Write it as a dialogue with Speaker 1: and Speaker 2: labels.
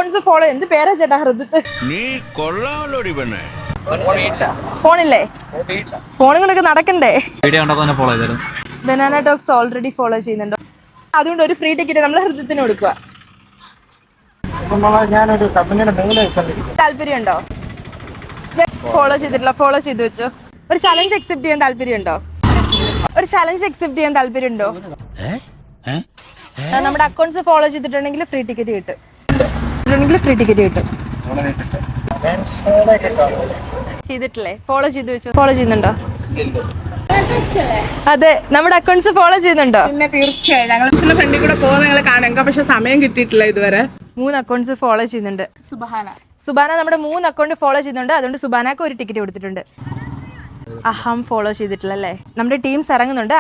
Speaker 1: Accounts follow എന്ത് പേരാ ചേട്ടാ ഹൃദത്ത്?
Speaker 2: നീ കൊള്ളാമല്ലോടി പെണ്ണേ.
Speaker 1: ഫോണില്ലേ? ഫോണുകളൊക്കെ നടക്കണ്ടേ?
Speaker 3: Follow
Speaker 1: Banana Talks already follow ചെയ്യുന്നുണ്ടോ? അതുകൊണ്ട് ഒരു ഫ്രീ ടിക്കറ്റ് നമ്മൾ ഹൃദയത്തിന് കൊടുക്കുക.
Speaker 4: ഞാനൊരു കമ്പനിയുടെ മെയിലായി
Speaker 1: താല്പര്യമുണ്ടോ? ഫോളോ ചെയ്തിട്ടില്ല, ഫോളോ ചെയ്ത് വെച്ചോ. ഒരു ചലഞ്ച് അക്സെപ്റ്റ് ചെയ്യാൻ താല്പര്യമുണ്ടോ? ഒരു ചലഞ്ച് അക്സെപ്റ്റ് ചെയ്യാൻ താല്പര്യമുണ്ടോ? നമ്മുടെ അക്കൗണ്ട്സ് ഫോളോ ചെയ്തിട്ടുണ്ടെങ്കിൽ ഫ്രീ ടിക്കറ്റ് കിട്ടും. ഫ്രീ ടിക്കറ്റ് കിട്ടും. ചെയ്തിട്ടില്ലേ? ഫോളോ ചെയ്ത് വെച്ചോ. ഫോളോ ചെയ്യുന്നുണ്ടോ? അതെ, നമ്മുടെ അക്കൗണ്ട്സ് ഫോളോ ചെയ്യുന്നുണ്ടോ?
Speaker 5: പിന്നെ തീർച്ചയായും ഞങ്ങൾ ഫ്രണ്ടിൽ കൂടെ പോകുന്ന ഞങ്ങൾ കാണാം. ഞങ്ങൾക്ക് പക്ഷെ സമയം കിട്ടിയിട്ടില്ല ഇതുവരെ.
Speaker 1: 3 അക്കൗണ്ട്സ് ഫോളോ ചെയ്യുന്നുണ്ട്. സുബാന നമ്മുടെ 3 അക്കൗണ്ട് ഫോളോ ചെയ്യുന്നുണ്ട്. അതുകൊണ്ട് സുബാനക്ക് ഒരു ടിക്കറ്റ് കൊടുത്തിട്ടുണ്ട്. അഹം ഫോളോ ചെയ്തിട്ടില്ല അല്ലേ? നമ്മുടെ ടീംസ് ഇറങ്ങുന്നുണ്ട്.